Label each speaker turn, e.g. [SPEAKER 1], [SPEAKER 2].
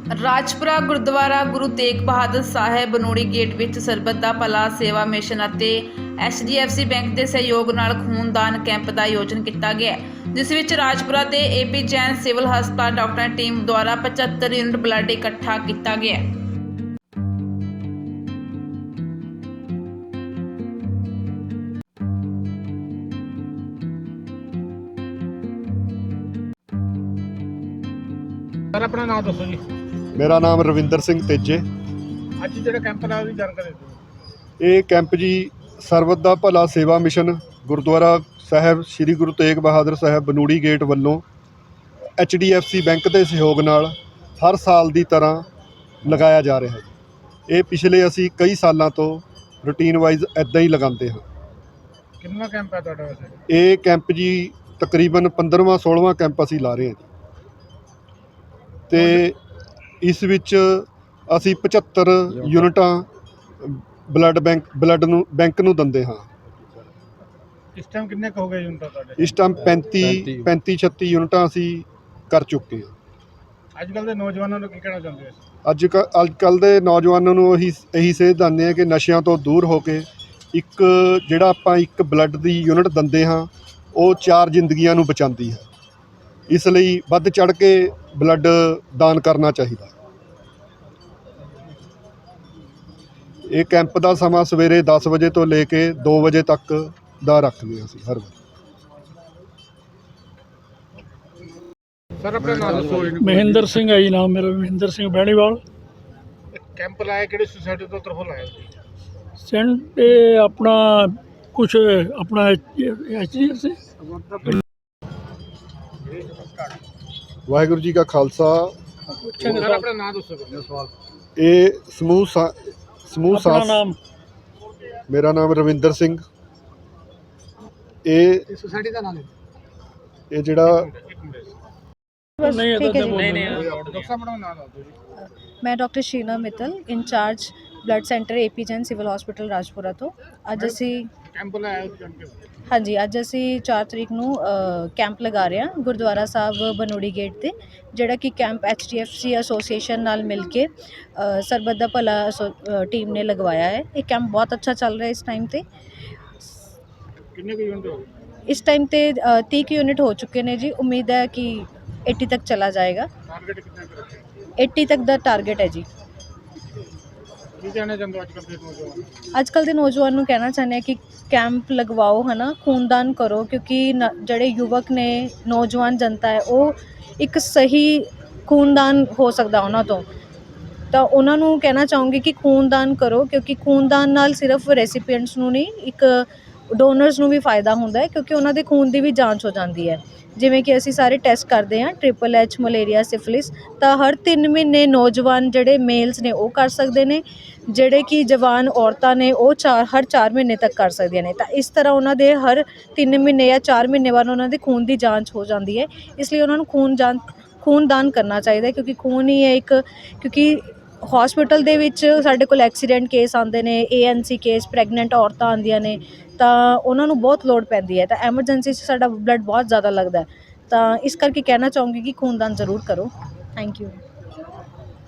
[SPEAKER 1] Rajpura gurdwara Guru Tegh Bahadur Sahib Banori gate ਵਿੱਚ ਸਰਬੱਤ ਦਾ ਭਲਾ ਸੇਵਾ ਮਿਸ਼ਨ ਅਤੇ HDFC ਬੈਂਕ ਦੇ ਸਹਿਯੋਗ ਨਾਲ ਖੂਨਦਾਨ ਕੈਂਪ ਦਾ ਆਯੋਜਨ ਕੀਤਾ ਗਿਆ ਹੈ, ਜਿਸ ਵਿੱਚ ਰਾਜਪੁਰਾ ਦੇ AP ਜੈਨ ਸਿਵਲ ਹਸਪਤਾਲ ਡਾਕਟਰਾਂ ਟੀਮ ਦੁਆਰਾ 75 ਯੂਨਿਟ ਬਲੱਡ ਇਕੱਠਾ ਕੀਤਾ ਗਿਆ ਹੈ।
[SPEAKER 2] सर अपना नाम दसो जी।
[SPEAKER 3] मेरा नाम रविंदर सिंह तेजे।
[SPEAKER 2] ਅੱਜ ਜਿਹੜਾ ਕੈਂਪ ਦਾ ਉਹਦੀ ਜਾਣਕਾਰੀ ਦਿਓ।
[SPEAKER 3] ਇਹ ਕੈਂਪ ਜੀ ਸਰਬੱਤ ਦਾ ਭਲਾ ਸੇਵਾ ਮਿਸ਼ਨ ਗੁਰਦੁਆਰਾ ਸਾਹਿਬ ਸ੍ਰੀ ਗੁਰੂ ਤੇਗ ਬਹਾਦਰ ਸਾਹਿਬ ਬਨੂੜੀ ਗੇਟ ਵੱਲੋਂ HDFC ਬੈਂਕ ਦੇ ਸਹਿਯੋਗ ਨਾਲ ਹਰ ਸਾਲ ਦੀ ਤਰ੍ਹਾਂ ਲਗਾਇਆ ਜਾ ਰਿਹਾ ਹੈ। ਇਹ ਪਿਛਲੇ ਅਸੀਂ ਕਈ ਸਾਲਾਂ ਤੋਂ ਰੂਟੀਨ ਵਾਈਜ਼ ਇੱਦਾਂ ਹੀ ਲਗਾਉਂਦੇ ਹਾਂ।
[SPEAKER 2] ਕਿੰਨਾ ਕੈਂਪ ਹੈ ਤੁਹਾਡਾ ਵੈਸੇ?
[SPEAKER 3] ਇਹ ਕੈਂਪ ਜੀ ਤਕਰੀਬਨ 15ਵਾਂ 16ਵਾਂ ਕੈਂਪ ਅਸੀਂ ਲਾ ਰਹੇ ਹਾਂ ਜੀ, ਤੇ ਇਸ ਵਿੱਚ ਅਸੀਂ 75 ਯੂਨਿਟਾਂ ਬਲੱਡ ਨੂੰ ਦਿੰਦੇ ਹਾਂ।
[SPEAKER 2] ਇਸ ਟਾਈਮ ਕਿੰਨੇ ਕੁ ਹੋ ਗਏ ਯੂਨਿਟ ਤੁਹਾਡੇ?
[SPEAKER 3] ਇਸ ਟਾਈਮ 35-36 ਯੂਨਿਟਾਂ ਅਸੀਂ ਕਰ ਚੁੱਕੇ ਹਾਂ।
[SPEAKER 2] ਅੱਜ ਕੱਲ੍ਹ ਦੇ ਨੌਜਵਾਨਾਂ ਨੂੰ ਕੀ ਕਹਿਣਾ ਚਾਹੁੰਦੇ ਹੋ?
[SPEAKER 3] ਅੱਜ ਕੱਲ੍ਹ ਦੇ ਨੌਜਵਾਨਾਂ ਨੂੰ ਇਹੀ ਸੇਧ ਦਿੰਦੇ ਹਾਂ ਕਿ ਨਸ਼ਿਆਂ ਤੋਂ ਦੂਰ ਹੋ ਕੇ ਜਿਹੜਾ ਆਪਾਂ ਇੱਕ ਬਲੱਡ ਦੀ ਯੂਨਿਟ ਦਿੰਦੇ ਹਾਂ ਉਹ 4 ਜ਼ਿੰਦਗੀਆਂ ਨੂੰ ਬਚਾਉਂਦੀ ਹੈ। ਇਸ ਲਈ ਵੱਧ ਚੜ੍ਹ ਕੇ ਬਲੱਡ ਦਾਨ ਕਰਨਾ ਚਾਹੀਦਾ। ਇਹ ਕੈਂਪ ਦਾ ਸਮਾਂ ਸਵੇਰੇ 10 ਵਜੇ ਤੋਂ ਲੈ ਕੇ 2 ਵਜੇ ਤੱਕ ਦਾ ਰੱਖਦੇ ਹਾਂ ਅਸੀਂ ਹਰ ਵਾਰ।
[SPEAKER 2] ਸਰ ਆਪਣਾ ਨਾਮ ਦੱਸੋ।
[SPEAKER 4] ਮਹਿੰਦਰ ਸਿੰਘ ਹੈ ਜੀ, ਨਾਮ ਮੇਰਾ ਮਹਿੰਦਰ ਸਿੰਘ ਬੈਣੀਵਾਲ।
[SPEAKER 2] ਕੈਂਪ ਲਾਇਆ ਕਿਹੜੀ ਸੁਸਾਇਟੀ ਤੋਂ ਤਰਫੋਂ ਲਾਇਆ ਜੀ?
[SPEAKER 4] ਸੈਂਟ ਇਹ ਆਪਣਾ ਕੁਛ ਆਪਣਾ HDFC।
[SPEAKER 3] ਵਾਹਿਗੁਰੂ ਜੀ ਕਾ ਖਾਲਸਾ।
[SPEAKER 2] ਸਰ ਆਪਣਾ ਨਾਮ ਦੱਸੋ।
[SPEAKER 3] ਇਹ ਸਮੂਹ
[SPEAKER 4] ਆਪਣਾ
[SPEAKER 3] ਸਾਥ।
[SPEAKER 4] ਨਾਮ
[SPEAKER 3] ਮੇਰਾ ਨਾਮ ਰਵਿੰਦਰ ਸਿੰਘ। ਇਹ
[SPEAKER 2] ਸੁਸਾਇਟੀ ਦਾ ਨਾਮ
[SPEAKER 3] ਇਹ ਜਿਹੜਾ
[SPEAKER 4] ਨਹੀਂ ਹੈ
[SPEAKER 2] ਡਾਕਟਰ ਸਾਹਿਬ ਆਪਣਾ ਨਾਮ ਦੱਸੋ ਜੀ।
[SPEAKER 5] मैं doctor Sheena Mittal in charge blood centre AP Jain civil hospital Rajpura तो ਅੱਜ ਅਸੀਂ
[SPEAKER 2] ਕੈਂਪ ਲਾਇਆ ਉਹਦੀ ਜਾਣਕਾਰੀ।
[SPEAKER 5] ਹਾਂਜੀ ਅੱਜ ਅਸੀਂ 4 ਤਰੀਕ ਨੂੰ ਕੈਂਪ ਲਗਾ ਰਹੇ ਹਾਂ ਗੁਰਦੁਆਰਾ ਸਾਹਿਬ ਬਨੋੜੀ ਗੇਟ ਤੇ, ਜਿਹੜਾ ਕਿ ਕੈਂਪ HDFC ਐਸੋਸੀਏਸ਼ਨ ਨਾਲ ਮਿਲ ਕੇ ਸਰਬੱਤ ਦਾ ਭਲਾ ਟੀਮ ਨੇ ਲਗਵਾਇਆ ਹੈ। ਇਹ ਕੈਂਪ ਬਹੁਤ ਅੱਛਾ ਚੱਲ ਰਿਹਾ ਇਸ ਟਾਈਮ ਤੇ।
[SPEAKER 2] ਕਿੰਨੇ ਕੁ ਯੂਨਿਟ ਹੋ ਗਏ?
[SPEAKER 5] ਇਸ ਟਾਈਮ ਤੇ 30 ਯੂਨਿਟ ਹੋ ਚੁੱਕੇ ਨੇ ਜੀ। ਉਮੀਦ ਹੈ ਕਿ 80 ਤੱਕ ਚਲਾ ਜਾਏਗਾ।
[SPEAKER 2] ਟਾਰਗੇਟ ਕਿੰਨਾ ਕੁ ਰੱਖਿਆ?
[SPEAKER 5] 80 ਤੱਕ ਦਾ ਟਾਰਗੇਟ ਹੈ ਜੀ।
[SPEAKER 2] ਕੀ ਕਹਿਣਾ ਚਾਹੁੰਦੇ ਹੋ ਅੱਜ ਕੱਲ੍ਹ ਦੇ ਨੌਜਵਾਨ?
[SPEAKER 5] ਅੱਜ ਕੱਲ੍ਹ ਦੇ ਨੌਜਵਾਨ ਨੂੰ ਕਹਿਣਾ ਚਾਹੁੰਦੇ ਹਾਂ ਕਿ ਕੈਂਪ ਲਗਵਾਓ, ਹੈ ਨਾ, ਖੂਨਦਾਨ ਕਰੋ, ਕਿਉਂਕਿ ਜਿਹੜੇ ਯੁਵਕ ਨੇ, ਨੌਜਵਾਨ ਜਨਤਾ ਹੈ, ਉਹ ਇੱਕ ਸਹੀ ਖੂਨਦਾਨ ਹੋ ਸਕਦਾ ਉਹਨਾਂ ਤੋਂ। ਤਾਂ ਉਹਨਾਂ ਨੂੰ ਕਹਿਣਾ ਚਾਹੂੰਗੀ ਕਿ ਖੂਨਦਾਨ ਕਰੋ, ਕਿਉਂਕਿ ਖੂਨਦਾਨ ਨਾਲ ਸਿਰਫ ਰੈਸੀਪੀਐਂਟਸ ਨੂੰ ਨਹੀਂ, ਇੱਕ ਡੋਨਰਸ ਨੂੰ ਵੀ ਫਾਇਦਾ ਹੁੰਦਾ ਹੈ, ਕਿਉਂਕਿ ਉਹਨਾਂ ਦੇ ਖੂਨ ਦੀ ਵੀ ਜਾਂਚ ਹੋ ਜਾਂਦੀ ਹੈ। ਜਿਵੇਂ ਕਿ ਅਸੀਂ ਸਾਰੇ ਟੈਸਟ ਕਰਦੇ ਹਾਂ, HHH, ਮਲੇਰੀਆ, ਸਿਫਿਲਿਸ, ਤਾਂ ਹਰ 3 ਮਹੀਨੇ ਨੌਜਵਾਨ ਜਿਹੜੇ ਮੇਲਸ ਨੇ ਉਹ ਕਰ ਸਕਦੇ ਨੇ, ਜਿਹੜੇ ਕਿ ਜਵਾਨ ਔਰਤਾਂ ਨੇ ਉਹ ਹਰ 4 ਮਹੀਨੇ ਤੱਕ ਕਰ ਸਕਦੀਆਂ ਨੇ। ਤਾਂ ਇਸ ਤਰ੍ਹਾਂ ਉਹਨਾਂ ਦੇ ਹਰ 3 ਮਹੀਨੇ ਜਾਂ 4 ਮਹੀਨੇ ਬਾਅਦ ਉਹਨਾਂ ਦੇ ਖੂਨ ਦੀ ਜਾਂਚ ਹੋ ਜਾਂਦੀ ਹੈ। ਇਸ ਲਈ ਉਹਨਾਂ ਨੂੰ ਖੂਨਦਾਨ ਕਰਨਾ ਚਾਹੀਦਾ, ਕਿਉਂਕਿ ਖੂਨ ਹੀ ਹੈ ਇੱਕ, ਕਿਉਂਕਿ ਹੌਸਪੀਟਲ ਦੇ ਵਿੱਚ ਸਾਡੇ ਕੋਲ ਐਕਸੀਡੈਂਟ ਕੇਸ ਆਉਂਦੇ ਨੇ, ANC ਕੇਸ, ਪ੍ਰੈਗਨੈਂਟ ਔਰਤਾਂ ਆਉਂਦੀਆਂ ਨੇ, ਤਾਂ ਉਹਨਾਂ ਨੂੰ ਬਹੁਤ ਲੋੜ ਪੈਂਦੀ ਹੈ। ਤਾਂ ਐਮਰਜੈਂਸੀ 'ਚ ਸਾਡਾ ਬਲੱਡ ਬਹੁਤ ਜ਼ਿਆਦਾ ਲੱਗਦਾ ਹੈ। ਤਾਂ ਇਸ ਕਰਕੇ ਕਹਿਣਾ ਚਾਹੂੰਗੀ ਕਿ ਖੂਨਦਾਨ ਜ਼ਰੂਰ ਕਰੋ। Thank you.